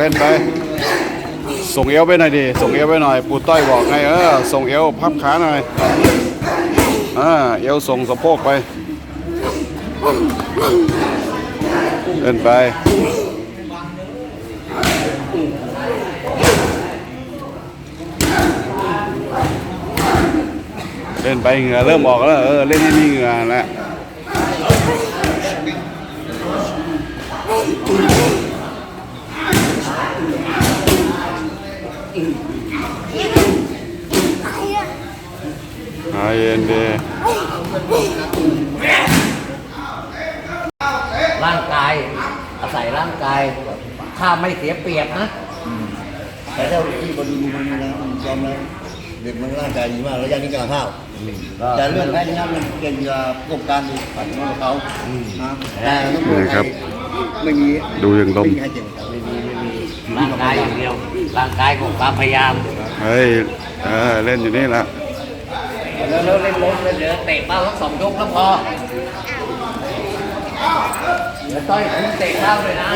นไปส่งเอวไปหน่อยดิส่งเอวไปหน่อยปูต้อยบอกไงส่งเอวพับขาหน่อยเอวส่งสะโพกไปเล่นไปเล่นไปเหงื่อเริ่มออกแล้วเล่นให้มีเหงื่อแล้วเย็นดีร่างกายอาศัยร่างกายถ้าไม่เสียเปรียบนะแต่ถ้าที่บอลลูนมันนะมันยอมแล้วเด็กมันร่างกายดีมากแล้วยังนี่กำลังข้าวแต่เรื่องแพ้ชนะมันเก่งกับประสบการณ์ปัดของเขาแต่ต้องดูครับไม่มีดูอย่างลมร่างกายอย่างเดียวร่างกายของความพยายามเฮ้ยเล่นอยู่นี่แหละแล้วเล่นล้มเลยเดี๋ยวเตะเป้าทั้ง2 ยกแล้วพอแล้วต้อยคุณเตะเป้าเลยนะ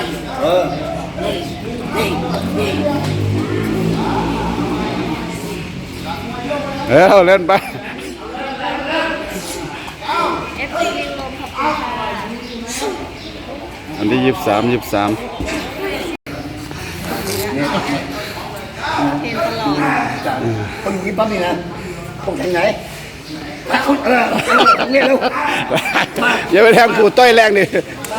เล่นไปอันที่23 เห็นตลอดคนนี้ปั๊บนี่นะพวกแข่งไหนทำเนี่ยเร็วอย่าไปแทงปูต้อยแรงดิ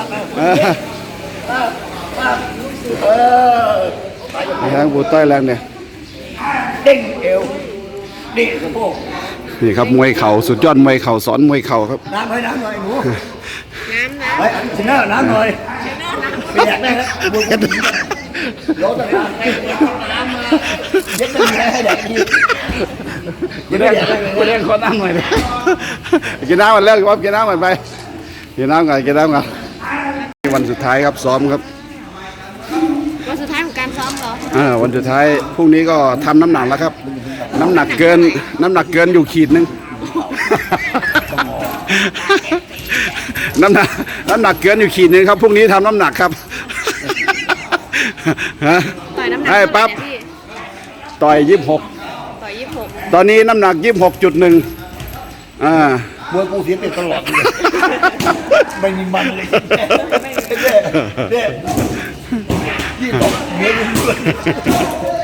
แทงปูต้อยแรงเนี่ยเด้งเอวเด้งสะโพกนี่ครับมวยเข่าสุดยอดมวยเข่าสอนมวยเข่าครับน้ำหน่อยหนูน้ำไปชนะน้ำหน่อยเปียกได้แล้วบุญกันโดนแต่น้ำมาเย็ดมันให้แดกดีกินคนน้ำหน่อยเลยกินน้ำมันเลิกครับกินน้ำมันไปกินน้ำกันวันสุดท้ายครับซ้อมครับวันสุดท้ายของการซ้อมเหรอวันสุดท้ายพรุ่งนี้ก็ทำน้ำหนักแล้วครับน้ำหนักเกินอยู่ขีดนึงน้ำหนักเกินอยู่ขีดนึงครับพรุ่งนี้ทำน้ำหนักครับต่อยน้ำหนักปั๊บต่อย26ตอนนี้น้ำหนัก26.1 มวยกูเสียเปรียบตลอดเลยไม่มีมันเลยเนี่ย26เมียมึงด้วย